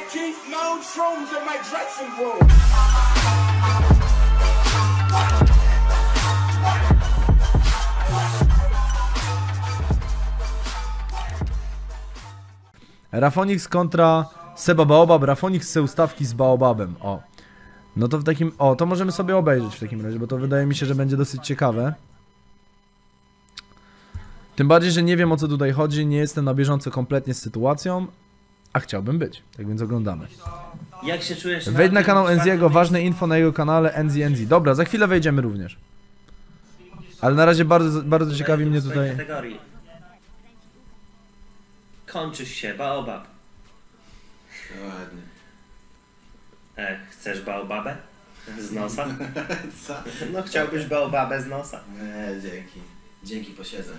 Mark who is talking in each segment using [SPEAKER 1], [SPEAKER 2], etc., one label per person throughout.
[SPEAKER 1] keep no shrooms in my dressing room.
[SPEAKER 2] Rafonix kontra Seba Baobab. Rafonix chce ustawki z Baobabem. O. No to w takim... O, to możemy sobie obejrzeć w takim razie, bo to wydaje mi się, że będzie dosyć ciekawe. Tym bardziej, że nie wiem, o co tutaj chodzi, nie jestem na bieżąco kompletnie z sytuacją, a chciałbym być, tak więc oglądamy.
[SPEAKER 3] Jak się czujesz?
[SPEAKER 2] Wejdź na kanał Enziego, ważne info na jego kanale Enzi. Dobra, za chwilę wejdziemy również. Ale na razie bardzo ciekawi mnie tutaj...
[SPEAKER 3] Kategorii. Kończysz się, Baobab.
[SPEAKER 4] Ładnie.
[SPEAKER 3] Chcesz Baobabę? Z nosa?
[SPEAKER 4] Co?
[SPEAKER 3] No chciałbyś Baobabę z nosa.
[SPEAKER 4] Nie, dzięki. Dzięki, posiedzę.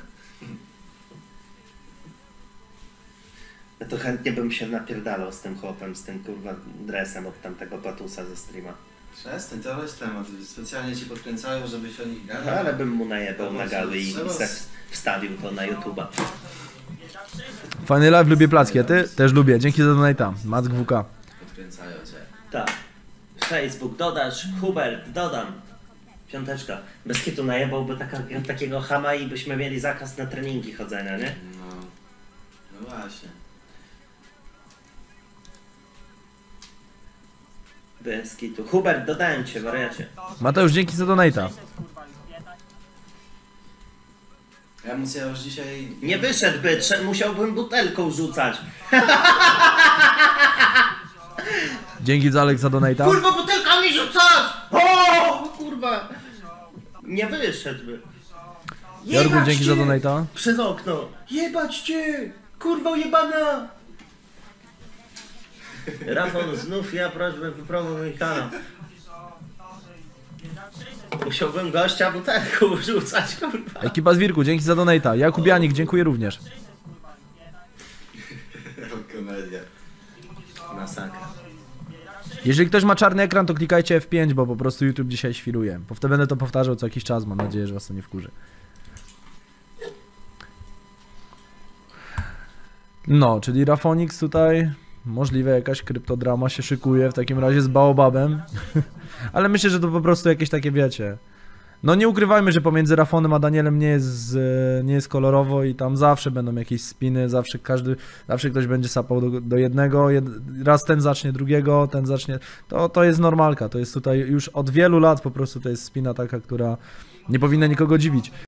[SPEAKER 3] Ja to chętnie bym się napierdalał z tym chłopem, z tym kurwa dresem od tamtego patusa ze streama.
[SPEAKER 4] Przestań, to weź temat. Specjalnie ci podkręcają, żebyś o nich gadał.
[SPEAKER 3] No, ale bym mu najebał na gały i
[SPEAKER 4] Trzeba-
[SPEAKER 3] wstawił to na YouTube'a.
[SPEAKER 2] Fajny live, lubię placki, a ty? Też lubię, dzięki za donate'a. Mack WK.
[SPEAKER 4] Podkręcają cię.
[SPEAKER 3] Tak. Facebook dodasz, Hubert dodam. Piąteczka. Bez kitu najebałby takiego chama i byśmy mieli zakaz na treningi chodzenia, nie?
[SPEAKER 4] No właśnie.
[SPEAKER 3] Bez kitu. Hubert, dodałem cię, wariacie.
[SPEAKER 2] Mateusz, dzięki za donate'a.
[SPEAKER 4] Emocja już dzisiaj...
[SPEAKER 3] Nie wyszedłby, musiałbym butelką rzucać.
[SPEAKER 2] Dzięki za Alex za donate'a.
[SPEAKER 3] Kurwa, butelkami rzucać! O, kurwa. Nie wyszedłby.
[SPEAKER 2] Jorgu,
[SPEAKER 3] Jebać
[SPEAKER 2] dzięki
[SPEAKER 3] cię!
[SPEAKER 2] za donate'a.
[SPEAKER 3] Przez okno. Jebać cię! Kurwa jebana! Rafał, znów ja prośbę wypromuj mój kanał. Musiałbym gościa butelką rzucać, kurwa.
[SPEAKER 2] Ekipa Zwirku, dzięki za donate'a. Jakub Janik, dziękuję również.
[SPEAKER 4] Komedia.
[SPEAKER 3] Masakra.
[SPEAKER 2] Jeżeli ktoś ma czarny ekran, to klikajcie F5, bo po prostu YouTube dzisiaj świruje. Bo wtedy będę to powtarzał co jakiś czas, mam nadzieję, że was to nie wkurzy. No, czyli Rafonix tutaj, możliwe jakaś kryptodrama się szykuje w takim razie z Baobabem. Ale myślę, że to po prostu jakieś takie, wiecie... No nie ukrywajmy, że pomiędzy Rafonem a Danielem nie jest kolorowo i tam zawsze będą jakieś spiny, zawsze ktoś będzie sapał do jednego, raz ten zacznie drugiego, ten zacznie... To jest normalka, to jest tutaj już od wielu lat po prostu to jest spina taka, która nie powinna nikogo dziwić.